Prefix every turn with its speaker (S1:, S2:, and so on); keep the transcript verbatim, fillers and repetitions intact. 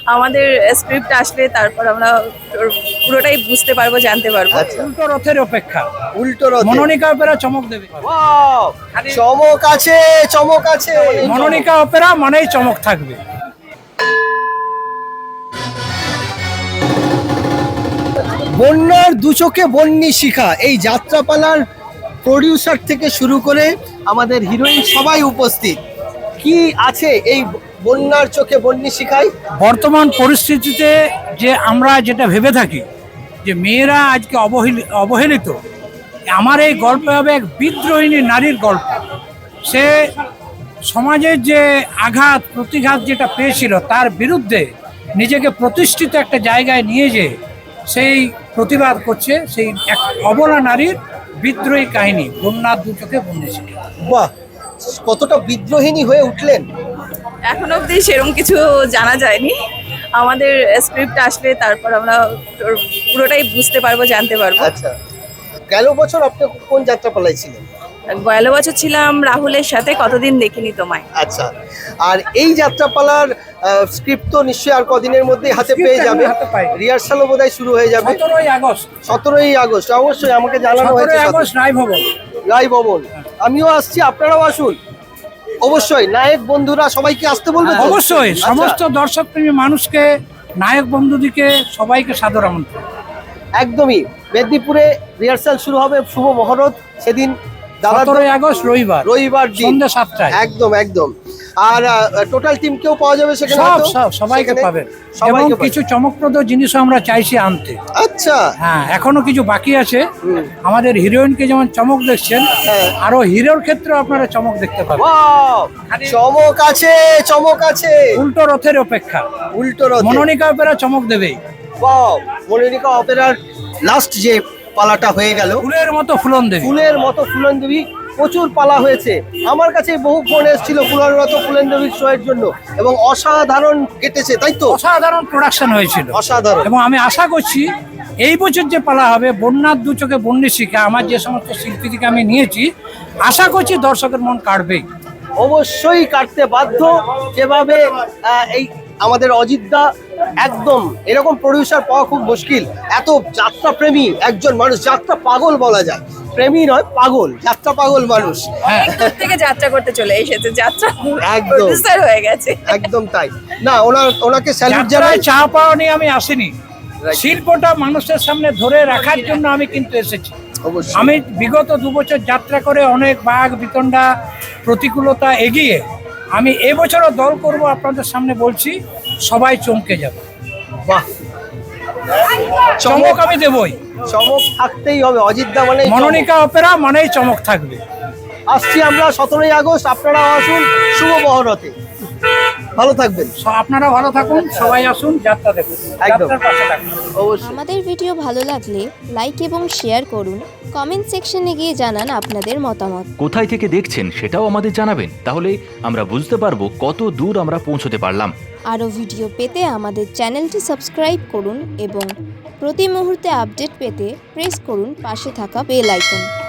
S1: আমাদের স্ক্রিপ্ট আসলে তারপর আমরা পুরোটাই বুঝতে পারবো, জানতে পারবো।
S2: উল্টো রথের অপেক্ষা,
S3: উল্টো রথে
S2: মনোনিকা অপেরা চমক দেবে।
S3: ওয়াও, চমক আছে, চমক আছে।
S2: মনোনিকা অপেরা মানেই চমক থাকবে।
S3: বন্যার দু চোখে বন্যি শিখা, এই যাত্রাপালার প্রডিউসার থেকে শুরু করে আমাদের হিরোইন সবাই উপস্থিত। কি আছে এই বন্যার চোখে বন্যি শিখায়?
S2: বর্তমান পরিস্থিতিতে যে আমরা যেটা ভেবে থাকি যে মেয়েরা আজকে অবহেলি অবহেলিত, আমার এই গল্প হবে এক বিদ্রোহিণী নারীর গল্প। সে সমাজের যে আঘাত প্রতিঘাত যেটা পেয়েছিল তার বিরুদ্ধে নিজেকে প্রতিষ্ঠিত একটা জায়গায় নিয়ে যেয়ে সেই প্রতিবাদ করছে, সেই এক অবলা নারীর বিদ্রোহী কাহিনী বন্যার দু চোখে বন্যি শিখা।
S3: বাহ, কতটা বিদ্রোহিনী হয়ে উঠলেন?
S1: এখন অবধি সেরকম কিছু জানা যায়নি। আমাদের স্ক্রিপ্ট আসলে তারপর আমরা পুরোটাই বুঝতে পারবো, জানতে পারবো।
S3: আচ্ছা, গেল বছর আপনি কোন যাত্রাপালায় ছিলেন?
S1: গেল বছর ছিলাম রাহুলের সাথে কতদিন দেখিনি তোমায়।
S3: আচ্ছা, আর এই যাত্রাপালার স্ক্রিপ্ট তো নিশ্চয়ই আর কদিনের মধ্যে হাতে পেয়ে যাবে। রিহার্সালও বোধহয় শুরু হয়ে যাবে
S2: সতেরোই আগস্ট।
S3: সতেরোই আগস্ট অবশ্যই আমাকে জানানো হয়েছে।
S2: আগস্ট রায় ভবন।
S3: রায় ভবন, আমিও আসছি, আপনারাও আসুন অবশ্যই। নায়ক বন্ধুরা সবাইকে আসতে বলবেন?
S2: অবশ্যই, সমস্ত দর্শক প্রেমী মানুষকে, নায়ক বন্ধুদিকে সবাইকে সাদর আমন্ত্রণ।
S3: একদমই, মেদিনীপুরে রিহার্সাল শুরু হবে, শুভ মহরত সেদিন
S2: সতেরোই আগস্ট রবিবার
S3: রবিবার
S2: সন্ধ্যা সাতটায়।
S3: একদম একদম। আর টোটাল টিমকেও পাওয়া যাবে সেখানে?
S2: সব সব সবাইকে পাবেন, এবং কিছু চমকপ্রদ জিনিসও আমরা চাইছি আনতে।
S3: আচ্ছা,
S2: হ্যাঁ, এখনো কিছু বাকি আছে। আমাদের হিরোইনকে যেমন চমক দেখছেন, আরো হিরোর ক্ষেত্রেও আপনারা চমক দেখতে পাবেন।
S3: চমক আছে, চমক আছে।
S2: উল্টো রথের অপেক্ষা,
S3: উল্টো রথে
S2: মনোনিকা অপেরা চমক দেবেই।
S3: ওয়াও, মনোনিকা অপেরার লাস্ট যে পালাটা হয়ে গেল,
S2: ফুলের মতো ফুলন দেবী।
S3: ফুলের মতো ফুলন দেবী, প্রচুর পালা হয়েছে। আমার কাছে বহু ফোন এসেছিল ফুলের মতো ফুলন দেবীর শো এর জন্য, এবং অসাধারণ কেটেছে, তাই তো?
S2: অসাধারণ প্রোডাকশন হয়েছিল,
S3: অসাধারণ।
S2: এবং আমি আশা করছি এই বছর যে পালা হবে বন্যার দু চোখে বন্যি শিখা, আমার যে সমস্ত শিল্পী থেকে আমি নিয়েছি, আশা করছি দর্শকের মন কাটবেই।
S3: অবশ্যই কাটতে বাধ্য। যেভাবে এই আমাদের অজিতদা, একদম এরকম প্রডিউসার পাওয়া খুব মুশকিল। এত যাত্রা প্রেমী একজন মানুষ, যাত্রা পাগল বলা যায়, প্রেমী নয় পাগল, যাত্রা পাগল মানুষ।
S1: দূর থেকে যাত্রা করতে চলে এসেছে, যাত্রা
S3: একদম
S1: প্রডিউসার হয়ে গেছে।
S3: একদম তাই না, ওনার ওনাকে স্যালুট জানাই।
S2: যাত্রায় চা পাওয়া নিয়ে আমি আসিনি, শিল্পটা মানুষের সামনে ধরে রাখার জন্য আমি কিন্তু এসেছি।
S3: অবশ্যই।
S2: আমি বিগত দু বছর যাত্রা করে অনেক বাঘ বিতণ্ডা প্রতিকূলতা এগিয়ে আমি এবছরও দল করব, আপনাদের সামনে বলছি, সবাই চমকে যাবে।
S3: বাহ,
S2: চমক আমি দেবই।
S3: চমক থাকতেই হবে, অজিতদা মানে
S2: মনোনিকা অপেরা মানেই চমক থাকবে।
S3: আসছি আমরা সতেরোই আগস্ট, আপনারা আসুন শুভ মহরতে। ভালো থাকবেন,
S2: আপনারা ভালো থাকুন, সবাই আসুন, যাত্রা দেখুন,
S3: একদম।
S2: যাত্রার পাশে থাকুন।
S3: অবশ্যই।
S4: আমাদের ভিডিও ভালো লাগলে লাইক এবং শেয়ার করুন, কমেন্ট সেকশনে গিয়ে জানান আপনাদের মতামত।
S5: কোথায় থেকে দেখছেন সেটাও আমাদের জানাবেন, তাহলে আমরা বুঝতে পারবো কত দূর আমরা পৌঁছতে পারলাম।
S4: আরও ভিডিও পেতে আমাদের চ্যানেলটি সাবস্ক্রাইব করুন এবং প্রতি মুহূর্তে আপডেট পেতে প্রেস করুন পাশে থাকা বেল আইকন।